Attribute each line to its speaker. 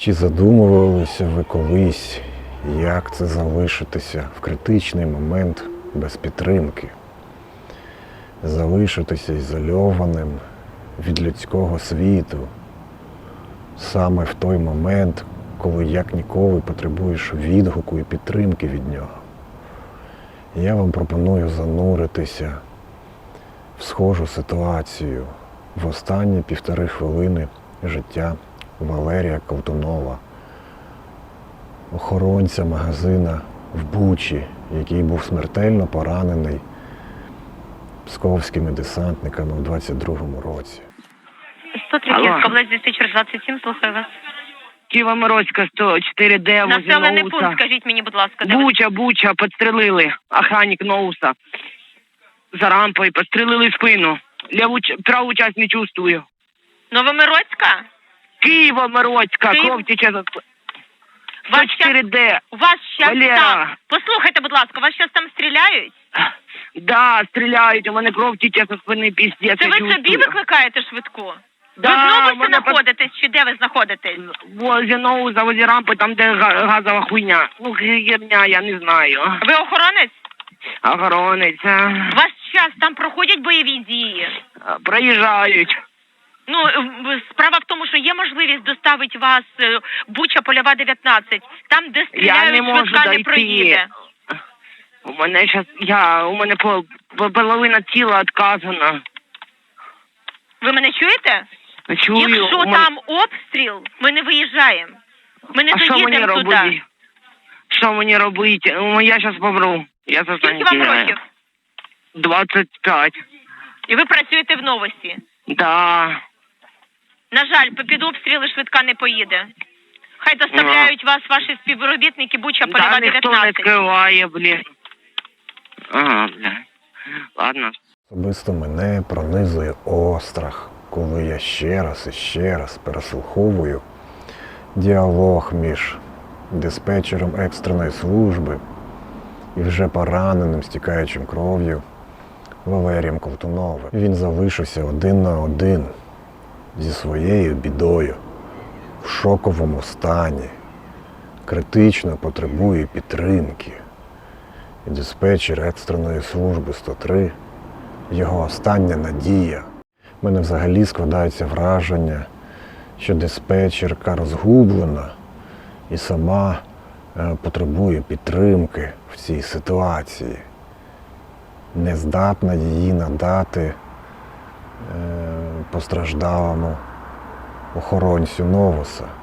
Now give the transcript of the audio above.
Speaker 1: Чи задумувалися ви колись, як це залишитися в критичний момент без підтримки? Залишитися ізольованим від людського світу саме в той момент, коли як ніколи потребуєш відгуку і підтримки від нього. Я вам пропоную зануритися в схожу ситуацію в останні 1,5 хвилини життя Валерія Колтунова, охоронця магазина в Бучі, який був смертельно поранений псковськими десантниками у 22-му році.
Speaker 2: 103 Київська область, диспетчер 27, слухаю вас.
Speaker 3: Києво-Морозька, 104Д, возле
Speaker 2: Населений
Speaker 3: Ноуса.
Speaker 2: пункт, скажіть мені, будь ласка, де ви?
Speaker 3: Буча, підстрелили. Охранник Ноуса. За рампою, підстрелили спину. Праву часть не чувствую.
Speaker 2: Новомиродська?
Speaker 3: Києво-Морозька,
Speaker 2: Київ-
Speaker 3: кров тече.
Speaker 2: Вас щас-
Speaker 3: 104Д.
Speaker 2: У вас щас
Speaker 3: Валера.
Speaker 2: там... Послухайте, будь ласка, вас щас там стріляють?
Speaker 3: Да, стріляють, у мене кров тече со спини, піздець,
Speaker 2: Це
Speaker 3: я
Speaker 2: ви
Speaker 3: чувствую.
Speaker 2: собі викликаєте швидку?
Speaker 3: Да,
Speaker 2: ви знову
Speaker 3: мене
Speaker 2: знаходитесь, чи де ви знаходитесь?
Speaker 3: Возле Ноуса, возле рампи, там де газова хуйня. Ну, херня, я не знаю.
Speaker 2: Ви охоронець?
Speaker 3: Охоронець.
Speaker 2: У вас щас там проходять бойові дії?
Speaker 3: Проїжджають.
Speaker 2: Ну, справа в тому, що є можливість доставити вас Буча, Польова, 19. Там, де
Speaker 3: Я
Speaker 2: стріляють,
Speaker 3: не можу
Speaker 2: швидка не
Speaker 3: дойти.
Speaker 2: проїде.
Speaker 3: У мене у мене половина тіла відказана.
Speaker 2: Ви мене чуєте?
Speaker 3: Чую.
Speaker 2: Якщо
Speaker 3: у мене-
Speaker 2: там обстріл, ми не виїжджаємо. Ми не
Speaker 3: А що мені
Speaker 2: доїдемо туди.
Speaker 3: робити? Що мені робити? Ну, я зараз помру. Я сознання
Speaker 2: Скільки вам
Speaker 3: теряю.
Speaker 2: років?
Speaker 3: 25.
Speaker 2: І ви працюєте в новості.
Speaker 3: Да.
Speaker 2: На жаль, під обстріли швидка не поїде. Хай доставляють вас ваші співробітники Буча, Польова,
Speaker 3: Да, ніхто не
Speaker 2: 19.
Speaker 3: скриває, блін. Ага, бля. Ладно.
Speaker 1: Особисто мене пронизує острах, коли я ще раз і ще раз переслуховую діалог між диспетчером екстреної служби і вже пораненим, стікаючим кров'ю Валерієм Колтуновим. Він залишився один на один зі своєю бідою, в шоковому стані, критично потребує підтримки. І диспетчер екстреної служби 103 – його остання надія. У мене взагалі складається враження, що диспетчерка розгублена і сама потребує підтримки в цій ситуації. Не здатна її надати постраждалому охоронцю Новуса.